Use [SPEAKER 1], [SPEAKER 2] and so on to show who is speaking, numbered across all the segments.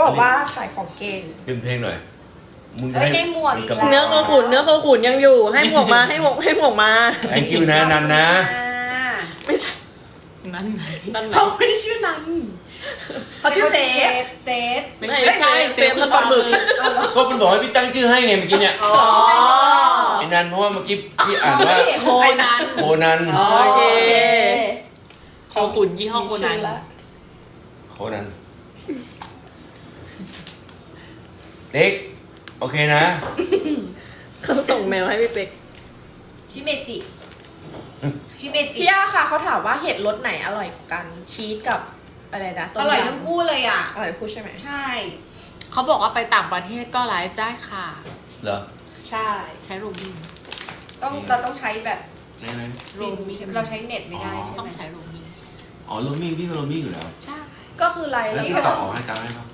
[SPEAKER 1] บอกว่าขายของเก่ง
[SPEAKER 2] ดึงเพลงหน่อยมึงจะ
[SPEAKER 3] เฮ้ยได้หมวกอีกแล้ว
[SPEAKER 4] เนื้อโคขุนยังอยู่ ให้หมวกมาให้หมวกมา
[SPEAKER 2] thank you นะนันนะ
[SPEAKER 4] ไม่ใช่
[SPEAKER 5] นั่นไง
[SPEAKER 4] นั่นไหน
[SPEAKER 1] เขาไม่ได้ชื่อนั้นเขาชื่อเซฟ
[SPEAKER 3] เซฟ
[SPEAKER 4] ไม่ใช่เซฟแล้วปลาหมึก
[SPEAKER 2] ก็มันบอกให้พี่ตั้งชื่อให้ไงเมื่อกี้เนี่ย
[SPEAKER 4] อ๋อ
[SPEAKER 2] ไอ้นันเพราะว่าเมื่อกี้พี่อ่านว่า
[SPEAKER 5] โคนัน
[SPEAKER 2] โคนัน
[SPEAKER 4] โอเค
[SPEAKER 5] โคขุนยี่ห้อโคนัน
[SPEAKER 2] โคนันเด็กโอเคนะ
[SPEAKER 4] เขาส่งแมวให้พี่เป๊ก
[SPEAKER 3] ชิเมจิชิเมจิ
[SPEAKER 1] พี่ย่าค่ะเขาถามว่าเห็ดรสไหนอร่อยกว่ากันชีสกับอะไรนะต้ม
[SPEAKER 3] อย
[SPEAKER 1] ำ
[SPEAKER 3] ทั้งคู่เลยอ่ะ
[SPEAKER 1] อร่อยทั้งคู่ใช่ไหม
[SPEAKER 3] ใช่
[SPEAKER 5] เขาบอกว่าไปต่างประเทศก็ไลฟ์ได้ค่ะ
[SPEAKER 2] เหรอ
[SPEAKER 1] ใช่
[SPEAKER 5] ใช้โรมมิ่ง
[SPEAKER 3] เราต้องใช้แบบ
[SPEAKER 2] ใช่ไหม
[SPEAKER 3] ซิมเราใช้เน็ตไม่ได้ใช่
[SPEAKER 5] ต้อง
[SPEAKER 3] ไหม
[SPEAKER 5] ใช้โรมมิ่ง
[SPEAKER 2] อ๋อโรมิ่งพี่ก็โรมิ่งอยู่แล้ว
[SPEAKER 5] ใช่
[SPEAKER 1] ก็คืออะไร
[SPEAKER 2] แล้ว
[SPEAKER 1] แล้ว
[SPEAKER 2] ที่
[SPEAKER 1] ก็
[SPEAKER 2] ต่อออกให้ตังค์ให้เขา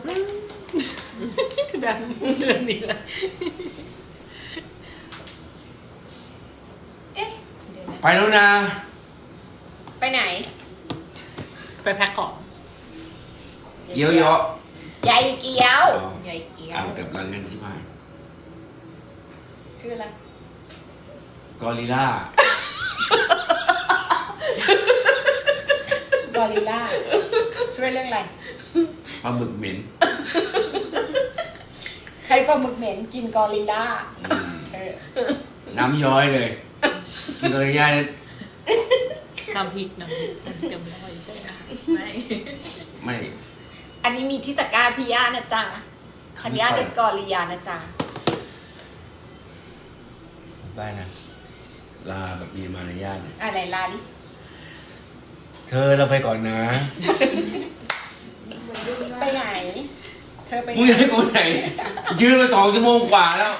[SPEAKER 5] แบบเดือนนี้แหละ
[SPEAKER 3] เอ๊ะเดี๋ยวนะ
[SPEAKER 2] ไปแล้วนะ
[SPEAKER 3] ไปไหน
[SPEAKER 5] ไปแพ็คของ
[SPEAKER 2] เยอะเยอะ
[SPEAKER 3] ใหญ่เกี๊ยว
[SPEAKER 2] อ๋อ
[SPEAKER 3] ใหญ่เกี๊ยว
[SPEAKER 2] อ่านกับรังกันชิบหาย
[SPEAKER 3] ชื่ออะไร
[SPEAKER 2] กอริลล่าก
[SPEAKER 3] อริลล่าช่วยเรื่องอะไร
[SPEAKER 2] ปลาหมึกเหม็น
[SPEAKER 3] ใครปลาหมึกเหม็นกินกอริลล่า
[SPEAKER 2] อืม
[SPEAKER 3] เออ
[SPEAKER 2] น้ำย้อยเลยกินกอริลล่าเนี่ย
[SPEAKER 5] น้ำพริกเดี๋ยวไม่อร่อยใช่ไหมไม่
[SPEAKER 2] ไม่
[SPEAKER 3] อันนี้มีที่ตะกร้าพี่ย่านะจ๊ะคันย่าเดสกอริยานะจ๊ะ
[SPEAKER 2] ได้นะ ลาแบบมีมารยาทหน่อย
[SPEAKER 3] อะไรลาดิ
[SPEAKER 2] เธอเราไปก่อนนะ
[SPEAKER 3] ไปไหน เธอไปไหน
[SPEAKER 2] มึงจะให้กูไหน ยืนมา2 ชั่วโมงกว่าแล้ว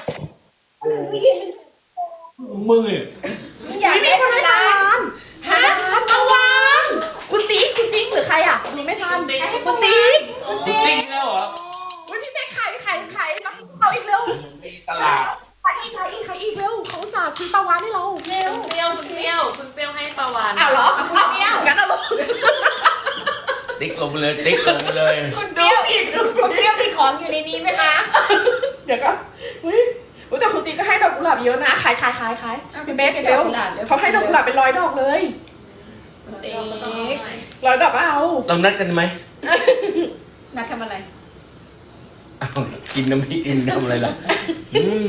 [SPEAKER 2] มึงเนี่ย
[SPEAKER 3] มึงอยากได้อะไรฮะ
[SPEAKER 1] ปลาวานคุณติ๊กหรือใครอ่ะหนูไม่ทันคุณติ๊ก
[SPEAKER 2] กูติ๊กแล้วเหรอ
[SPEAKER 1] วันนี้แม่ขายแล้วเอาอีกเร็ว
[SPEAKER 2] ตลาด
[SPEAKER 1] ขายอีกเร็วเขาอุตส่าห์ซื้อปลาวานให้เราเร็ว
[SPEAKER 4] คุณเปรี้ยวให้ปลาวาน
[SPEAKER 1] อ้าวเหรอ
[SPEAKER 3] คุณเปรี้ยว
[SPEAKER 1] งั้นเอาลง
[SPEAKER 2] ติ๊กลงไปเลย ติ๊กลงไปเลย
[SPEAKER 3] คุณเปรี้ยวอีกคุณเปรี้ยวมีของอยู่ในนี้ไหมคะ
[SPEAKER 1] เดี๋ยวก็อุ้ยแต่คุณติ๊กก็ให้ดอกกุหลาบเยอะนะขายพี่เบ๊กเร็วเขาให้ดอกกุหลาบเป็น100 ดอกเลย
[SPEAKER 3] ติ๊ก
[SPEAKER 1] 100 ดอกก็เอา
[SPEAKER 2] เรานัดกันไหม
[SPEAKER 3] นัดทำอะไร
[SPEAKER 2] อ้าวกินน้ำพริกกินทำอะไรล่ะอืม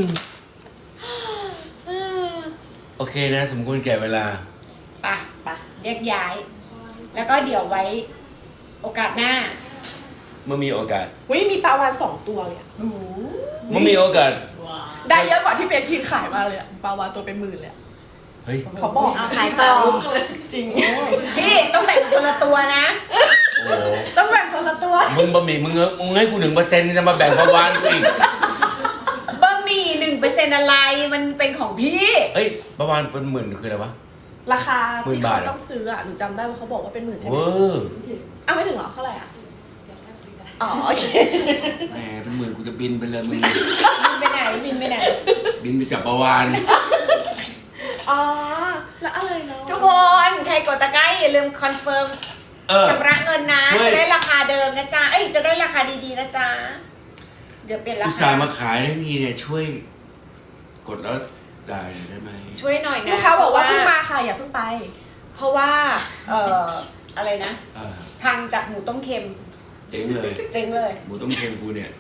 [SPEAKER 2] โอเคนะ สมควรแก่เวลา
[SPEAKER 3] ไปแยกย้าย แล้วก็เดี๋ยวไว้ โอกาสหน้า
[SPEAKER 2] เมื่อมีโอกาส
[SPEAKER 1] อุ้ยมีปลาวาน2 ตัวเลยอะ
[SPEAKER 2] เมื่อมีโอกาส
[SPEAKER 1] ได้เยอะกว่าที่เบ๊กยืนขายมาเลยอะปลาวานตัวเป็นหมื่นเลยอะ
[SPEAKER 2] เฮ้ย
[SPEAKER 1] เขาบอก
[SPEAKER 3] เอาขายต่อ
[SPEAKER 1] จริง
[SPEAKER 3] พี่ต้องแบ่งคนละตัวนะ
[SPEAKER 2] โอ้โห
[SPEAKER 1] ต้องแบ่งคนละตัว
[SPEAKER 2] มึงบะหมี่มึงให้กู1%จะมาแบ่งประวานกูอีก
[SPEAKER 3] บะหมี่1%อะไรมันเป็นของพี่
[SPEAKER 2] เฮ้ยประวานเป็น10,000คืออะไรวะ
[SPEAKER 1] ราคาที่
[SPEAKER 2] 10,000 บา
[SPEAKER 1] เขา
[SPEAKER 2] ทอะ
[SPEAKER 1] ต้องซื้ออะหนูจำได้ว่าเขาบอกว่าเป็นหมื่นใช่ไห
[SPEAKER 2] เว
[SPEAKER 1] ม
[SPEAKER 2] อร์
[SPEAKER 1] อ้าวไม่ถึงเหรอเท่าไหร่อะอ๋อโอเค
[SPEAKER 2] แหมเป็นหมื่นกูจะบินไปเลยมึง
[SPEAKER 3] บินไปไหน
[SPEAKER 2] บินไปจับประวาน
[SPEAKER 1] อ๋อแล้วอะไรเนาะ
[SPEAKER 3] ทุกคนใครกดตะไคร้อย่าลืมคอนเฟิร์ม
[SPEAKER 2] เออ
[SPEAKER 3] ชำระเงินนะ
[SPEAKER 2] ช่วย
[SPEAKER 3] จะได้ราคาเดิมนะจ๊ะ เอ้ยจะได้ราคาดีๆนะจ๊ะ เดี๋ยวเปลี่ยนรา
[SPEAKER 2] อุต
[SPEAKER 3] คา
[SPEAKER 2] ส่าห์มาขายได้มีเนี่ยช่วย กดแล้วจ่ายได้ไหม
[SPEAKER 3] ช่วยหน่อยนะ
[SPEAKER 1] ลูกค้าบอกว่าเพิ่งมาค่ะอย่าเพิ่งไป
[SPEAKER 3] เพราะว่า อะไรนะ
[SPEAKER 2] เออ
[SPEAKER 3] ทางจากหมูต้มเค็ม
[SPEAKER 2] เจ๊งเลย
[SPEAKER 3] เจ๊งเลย
[SPEAKER 2] หมูต้มเค็มกูเนี่ย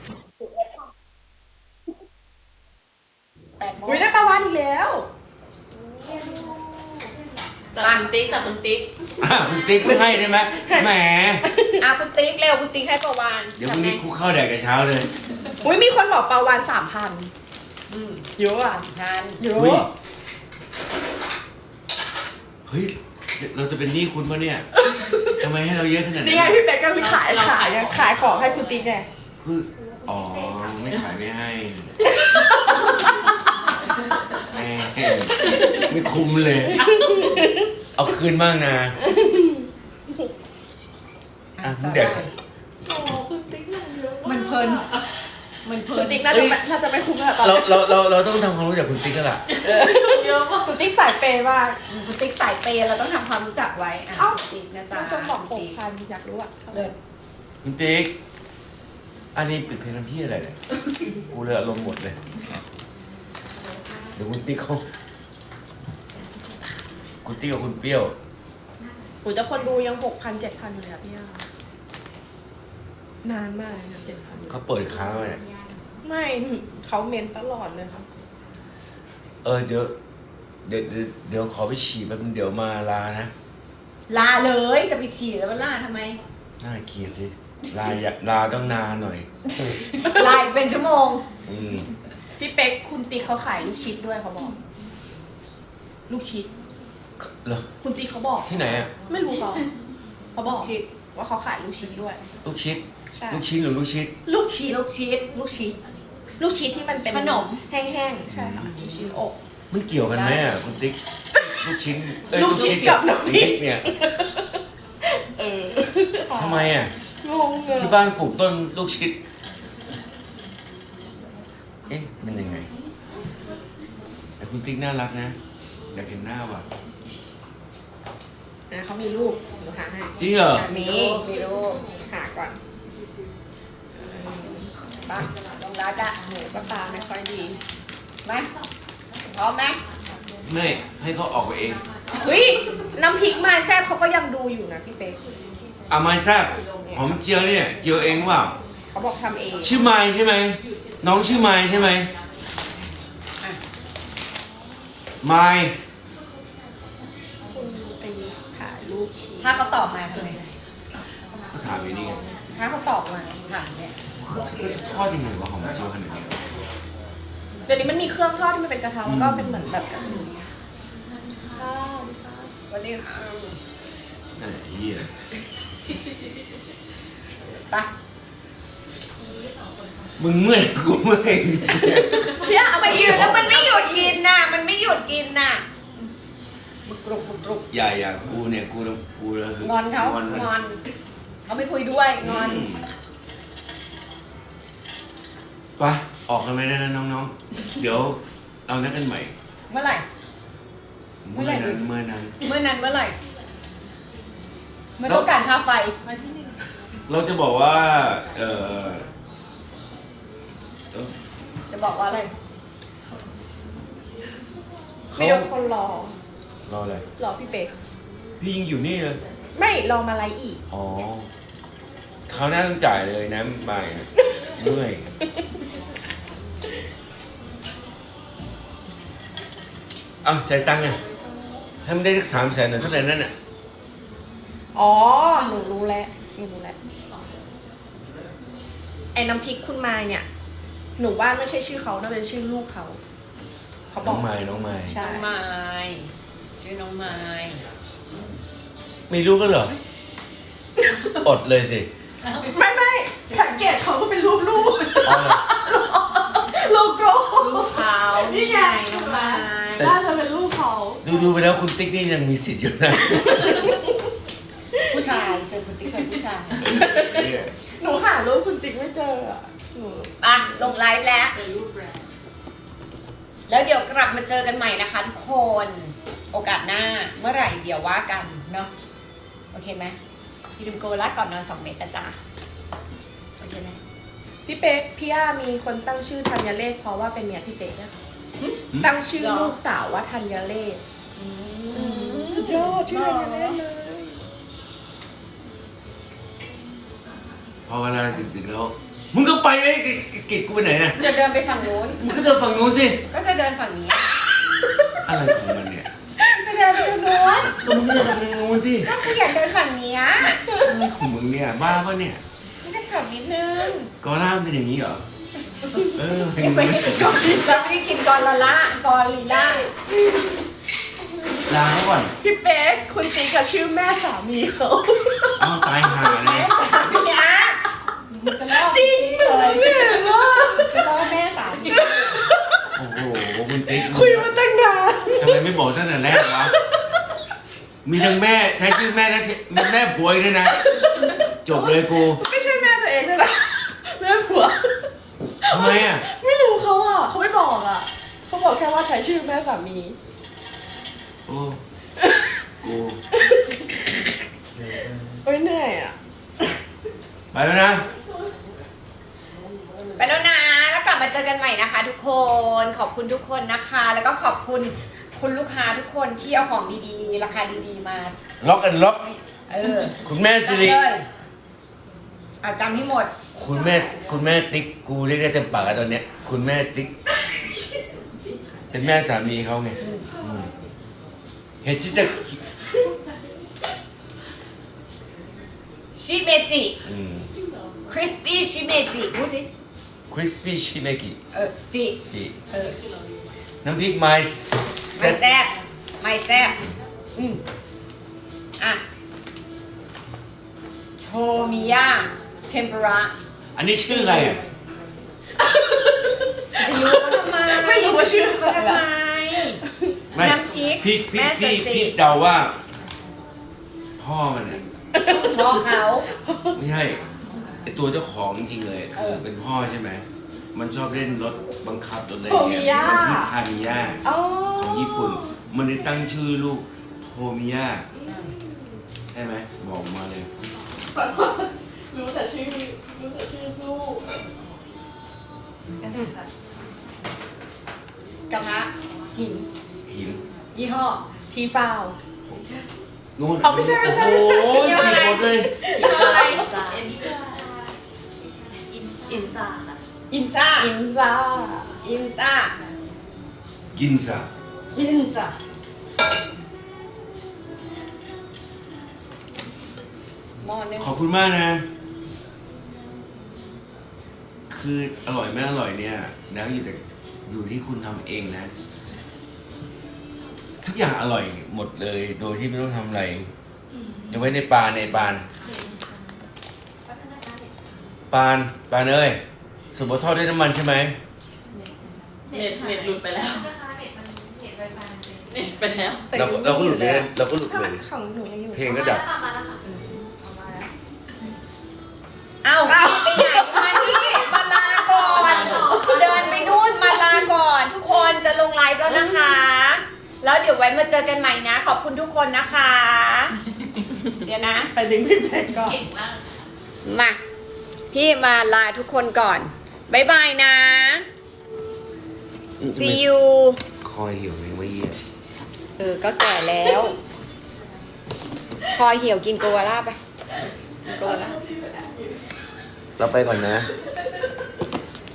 [SPEAKER 3] 8 โมง
[SPEAKER 1] อุ้ยได้ปลาวานอีกแล้ว
[SPEAKER 4] จับคุณติ๊ก
[SPEAKER 2] คุณติ๊กไม่ให้ได้ไหมแหม
[SPEAKER 3] คุณติ๊กเร็วคุณติ๊กให้ประวาน
[SPEAKER 2] เดี๋ยวพรุ่งนี้กูเข้าแดกกับเช้าเลย
[SPEAKER 1] อุ้ยมีคนบอกปลาวาน3,000
[SPEAKER 3] อืม
[SPEAKER 1] เยอะอ่ะ
[SPEAKER 3] ทาน
[SPEAKER 1] เย
[SPEAKER 2] เฮ้ย
[SPEAKER 1] อะ
[SPEAKER 2] เฮ้ย เราจะเป็นหนี้คุณปะเนี่ยทำไมให้เราเยอะขนาด
[SPEAKER 1] นี่
[SPEAKER 2] นี้
[SPEAKER 1] ไงพี่เป๊กก็มีขายของให้คุณติ๊กไง
[SPEAKER 2] คืออ๋อไม่ขายไม่ให้แหมไม่คุ้มเลย เอาคืนบ้างนะอ่ะมึงแดกใส่
[SPEAKER 3] มันเพลิน
[SPEAKER 1] คุณติ๊กน่าจะไม่คุ้มแล้วตอน
[SPEAKER 2] เราต้องทำความรู้จักคุณติ๊กแล้วล่ะ
[SPEAKER 1] คุณติ๊กสายเปย์มาก
[SPEAKER 3] คุณติ๊กสายเปย์เราต้องทำความรู้จักไว้คุณติ๊กนะจ๊ะ
[SPEAKER 1] ต้องบอก6,000อยากรู้อ่ะ
[SPEAKER 3] เลิศ
[SPEAKER 2] คุณติ๊กอันนี้ปิดเพลงน้ำพี่อะไรเนี่ยกูเลยอารมณ์หมดเลยเดี๋ยวคุณติ๊กเขาคุณติ๊กกับคุณเปรี้ยว
[SPEAKER 1] โอ้ยแต่คนดูยัง6,000-7,000อยู่เลยอะพี่ย่านานมากเลยนะ7,000
[SPEAKER 2] เขาเปิดค้างไว้เนี่ย
[SPEAKER 1] ไม่เขาเมนตลอดเลยค่ะ
[SPEAKER 2] เดี๋ยวขอไปฉี่แป๊บนึงเดี๋ยวมาลานะ
[SPEAKER 3] ลาเลยจะไปฉี่แล้วมันลาทำไม
[SPEAKER 2] น่าเกลียดสิลาต้องนานหน่อย
[SPEAKER 3] ลาอีกเป็นชั่วโมง
[SPEAKER 2] อืม
[SPEAKER 1] พี่เป๊กคุณติ๊กเขาขายลูกชิดด้วยเขาบอก ลูกชิด
[SPEAKER 2] เหรอ
[SPEAKER 1] คุณติ๊กเขาบอก
[SPEAKER 2] ที่ไหนอ่ะ
[SPEAKER 1] ไม่รู้เขาบอก
[SPEAKER 3] ลูกชิด
[SPEAKER 1] ว่าเขาขายลูกชิดด้วย
[SPEAKER 2] ลูกชิด
[SPEAKER 1] ใช่
[SPEAKER 2] ลูกชิ้นหรือลูกชิด
[SPEAKER 1] ลูกชิด
[SPEAKER 3] ลูกชิด
[SPEAKER 1] ลูกชิดลูกชิดที่มันเป็น
[SPEAKER 3] ขนม
[SPEAKER 1] แห้งๆใช่ค่ะลูกชิ้นอก
[SPEAKER 2] มันเกี่ยวกันไหมอ่ะคุณติ๊กลูกชิ้น
[SPEAKER 1] ลูกชิ้นกับน้ำพริก
[SPEAKER 2] เนี่ย
[SPEAKER 1] เออ
[SPEAKER 2] ทำไมอ่ะ
[SPEAKER 1] งงเลย
[SPEAKER 2] ที่บ้านปลูกต้นลูกชิดเอ๊ะมันยังไงแต่คุณติ๊กน่ารักนะอยากเห็นหน้าว่ะ
[SPEAKER 1] นะเขามีรูปหนูหาให้
[SPEAKER 2] จริงเหรอ
[SPEAKER 1] มีรูปหาก่อนบ้า
[SPEAKER 3] ลงรัดอะ
[SPEAKER 1] หนูก็ตาไม่ค่อยดี
[SPEAKER 3] ไหมพร้อมไหม
[SPEAKER 2] ไม่ให้เขาออกไปเอง
[SPEAKER 1] เฮ้ยน้ำพริกมาแซ่บเขาก็ยังดูอยู่นะพี่เป๊ก
[SPEAKER 2] อาไม้แซ่บหอมเจียวเนี่ยเจียวเองเปล่า
[SPEAKER 1] เขาบอกทำเอง
[SPEAKER 2] ชื่อไม้ใช่ไหมน้องชื่อไม้ใช่ไหมไม้
[SPEAKER 1] คุณตีขายลูกชิ้น
[SPEAKER 3] ถ้าเขาตอบมาทำไง
[SPEAKER 2] ก็ถามไปนี่ไง
[SPEAKER 3] ถ้าเขาตอบมาถามเนี่ย
[SPEAKER 2] เขาจะทอดยังไงวะหอมเจียวขนาดนี้
[SPEAKER 1] เดี๋ยวนี้มันมีเครื่องทอดที่มันเป็นกระทะแล้วก็เป็นเหมือนแบบกระถิ่นข้าว
[SPEAKER 3] วันนี้
[SPEAKER 2] นั่นแหละเหี้ย
[SPEAKER 3] ไป
[SPEAKER 2] มึงเมื่อยกูเมื่อย
[SPEAKER 1] พี่เอาไป
[SPEAKER 3] ไปยืนแล้วมันไม่หยุดกินน่ะ มันไม่หยุดกินน่ะบุกรุบบุกรุบ
[SPEAKER 2] อย่ากูเนี่ยกูเลยคื
[SPEAKER 3] งอนเขา
[SPEAKER 2] มัน
[SPEAKER 3] งอนเขาไม่คุยด้วยงอน
[SPEAKER 2] ไปออกกันไหมนะน้องๆเดี๋ยวเรานัดกันใหม่
[SPEAKER 3] เมื่อไหร่
[SPEAKER 2] เมื่อนั้น
[SPEAKER 3] เมื่อนั้นเมื่อไหร่เมื่อต้องการค่าไฟ
[SPEAKER 2] เราจะบอกว่า
[SPEAKER 3] จะบอกว่าอะไร
[SPEAKER 2] เขา
[SPEAKER 1] มีคนรอ
[SPEAKER 2] รออะไร
[SPEAKER 1] รอพี่เป๊ก
[SPEAKER 2] พี่ยิงอยู่นี่เลย
[SPEAKER 1] ไม่รอมาไลฟ์อีก
[SPEAKER 2] อ๋อเขาวหน้าต้องจ่ายเลยนะใหม่เมื่อยเอาจ่ายตังค์ไงให้มันได้สัก300,000หน่อยเท่าไหร่นั่นน่ะ
[SPEAKER 1] อ๋อหนูรู้แล้วไอ้น้ำพริกคุณมายเนี่ย หนูว่าไม่ใช่ชื่อเขาน่าเป็นชื่อลูกเขาเขาบ
[SPEAKER 2] น้
[SPEAKER 1] อ
[SPEAKER 2] อก งไม้
[SPEAKER 1] ใช่
[SPEAKER 5] น้องไม้ชื่อน้องไม้
[SPEAKER 2] ไม่รู้กันเหรอ อดเลยสิ
[SPEAKER 1] ไม่สังเกตเขาก็เป็นรูปลูก
[SPEAKER 2] อ๋อเหรอ
[SPEAKER 1] โลโก้
[SPEAKER 5] ลูกเขา
[SPEAKER 1] นี่ไง
[SPEAKER 5] น้องไม้
[SPEAKER 1] น่าจะเป็นลูกเขา
[SPEAKER 2] ดูไปแล้วคุณติ๊กนี่ยังมีสิทธิ์อยู่นะ
[SPEAKER 3] ผู้ชายเซอร์คุณติ๊กเป็นผู้ชาย
[SPEAKER 1] หนูหารูปคุณติ๊กไม่เจออะหนู
[SPEAKER 3] อ่ะลงไลฟ์แล้ว
[SPEAKER 5] เป็นรูปแรก
[SPEAKER 3] แล้วเดี๋ยวกลับมาเจอกันใหม่นะคะทุกคน โอกาสหน้าเมื่อไหร่เดี๋ยวว่ากันเนาะโอเคไหมพี่ลืมโกลาก่อนนอน2 เม็ดนะจ๊ะโอเคไหม
[SPEAKER 1] พี่เป๊กพี่ย่ามีคนตั้งชื่อธัญเลศเพราะว่าเป็นเมียพี่เป๊กนะคะตั้งชื่อลูกสาวว่าธัญเลศสุดยอดชื่อธัญเลศเลย
[SPEAKER 2] พอเวลาดึกๆแล้ว มึงก็ไปเลยกิจกูไปไหนน่ะ
[SPEAKER 3] เดี๋ยวเดินไปฝั่งนู้น
[SPEAKER 2] มึงก็เดินฝั่งนู้นสิ
[SPEAKER 3] ก็จะเดินฝั่งนี้
[SPEAKER 2] อะไรของมันเนี่ย
[SPEAKER 3] จะเดินไปฝั่งนู้น
[SPEAKER 2] ก็มึงก็เดินฝั่งนู้นสิ
[SPEAKER 3] ก็คืออยากเดินฝั่งเนี้ย
[SPEAKER 2] อะไรของมึงเนี่ยบ้าปะเนี่ย
[SPEAKER 3] ไม่ได้ขับนิดนึง
[SPEAKER 2] กอล่าเป็นอย่างนี้เหรอ เพลง
[SPEAKER 3] ไม่
[SPEAKER 2] นี้
[SPEAKER 3] ได้กินกอลิเราไม่ได้กินกอลละกอลิล่า
[SPEAKER 2] ลาเขาก่อน
[SPEAKER 1] พี่เป๊กคุณติ๊กกับชื่อแม่สามีเขา
[SPEAKER 2] เอาตายห่าเลย
[SPEAKER 3] พี่อาจะล่อ
[SPEAKER 1] จริงหนูไม่เห็นว่า
[SPEAKER 3] จะล่อแม่สามี
[SPEAKER 2] โอ้โหคุณติ๊ก
[SPEAKER 1] คุยมาตั้งนาน
[SPEAKER 2] ทำไมไม่บอกตั้งแต่แรกวะมีทั้งแม่ใช้ชื่อแม่และแม่ผัวอีกด้วยนะ จบเลยกู
[SPEAKER 1] ไม่ใช่แม่ตัวเองเลยนะแม่ผัว
[SPEAKER 2] ทำไมอ่ะ
[SPEAKER 1] ไม่รู้เขาอ่ะเขาไม่บอกอ่ะเขาบอกแค่ว่าใช้ชื่อแม่สามี
[SPEAKER 2] โอ้กู
[SPEAKER 1] เอ้ยเหนื่อยอ่ะ
[SPEAKER 2] ไปแล้วนะ
[SPEAKER 3] เจอกันใหม่นะคะ ทุกคน ขอบคุณทุกคนนะคะ แล้วก็ขอบคุณคุณลูกค้าทุกคนที่เอาของดีๆ ราคาดีๆมา
[SPEAKER 2] ล็อกกันล็อก คุณแม่สิริ
[SPEAKER 3] เลยเอาจำให้หมด
[SPEAKER 2] คุณแม่ติ๊กกูเรียกได้เต็มปากแล้วตอนเนี้ยคุณแม่ติ๊กเป็นแม่สามีเขาไงเห็นชิจะ
[SPEAKER 3] ชิเมจิคริสปี้ชิเมจิพูดสิ
[SPEAKER 2] คริสปี้ชิเมกิ
[SPEAKER 3] จิ
[SPEAKER 2] จีน้ำพริกไม้เซ็
[SPEAKER 3] ไม่
[SPEAKER 2] ต
[SPEAKER 3] แซ่บไม่แซ่บอ่ะโทมิยะเทมปุระ
[SPEAKER 2] อันนี้ชื่ออะไรอ่ะ
[SPEAKER 3] ไม่รู้ว่าชื่อเขาทำไม
[SPEAKER 2] ไม่
[SPEAKER 3] น้ำพริก
[SPEAKER 2] พี่
[SPEAKER 3] แม่สติ
[SPEAKER 2] พี่เดาว่า พ่อมันอ่ะ
[SPEAKER 3] พ่อเขา
[SPEAKER 2] ไม่ใช่ไอตัวเจ้าของจริงๆเลยคือเป็นพ่อใช่ไหมมันชอบเล่นรถบังคับรถอะไรอย่างเงี้ยมันชื่อทามิยะ
[SPEAKER 1] อ๋อ
[SPEAKER 2] ของญี่ปุ่น มันได้ตั้งชื่อลูกโทมิยะใช่ไหมบอกมาเลย
[SPEAKER 1] รู้แต่ชื่อลูก
[SPEAKER 3] กระทะหิน
[SPEAKER 2] หิน
[SPEAKER 3] ยี่ห้อ
[SPEAKER 1] ทีฟาว
[SPEAKER 2] นู่น
[SPEAKER 1] อ๋อไม่ใช่
[SPEAKER 2] โอ้ยผิดหมดเลย
[SPEAKER 3] ยี่ห้ออะไร
[SPEAKER 5] อินซ่า
[SPEAKER 3] อินซ่า
[SPEAKER 1] อินซ่า
[SPEAKER 3] อินซ่า
[SPEAKER 2] กินซะ
[SPEAKER 3] อินซ่าหม้อนึง
[SPEAKER 2] ขอบคุณมากนะ คืออร่อยไม่อร่อยเนี่ยแล้วอยู่ที่คุณทำเองนะ ทุกอย่างอร่อยหมดเลย โดยที่ไม่ต้องทำอะไรอย่าไว้ในปานเอ้ยสมบูรณ์ทอดด้วยน้ำมันใช่ไหม
[SPEAKER 5] เน็ตหลุดไปแล้วเน็ตไปแล้ว
[SPEAKER 2] เราก็หลุดไปเลยเราก็หลุดเลย
[SPEAKER 1] ของหนูยังอยู่
[SPEAKER 2] เพลงก็ดับ
[SPEAKER 3] เอ้าพี่ไปไหนมานี่มาลาก่อน เดินไปนู่นมาลาก่อน ทุกคนจะลงไลฟ์แล้วนะคะ แล้วเดี๋ยวไว้มาเจอกันใหม่นะ ขอบคุณทุกคนนะคะ เดี๋ยวนะ
[SPEAKER 1] ไปดึงพี่เพชรก่อน
[SPEAKER 3] มาพี่มาลาทุกคนก่อนบ๊ายบายนะ see you
[SPEAKER 2] คอยเหี่ยวเลยเมื่อกี้
[SPEAKER 3] ก็แก่แล้ว คอเหี่ยวกินโกวาล่าไปกินโกวาล่า
[SPEAKER 2] เราไปก่อนนะ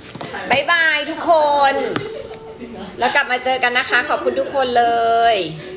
[SPEAKER 3] บ๊ายบายทุกคน แล้วกลับมาเจอกันนะคะ ขอบคุณทุกคนเลย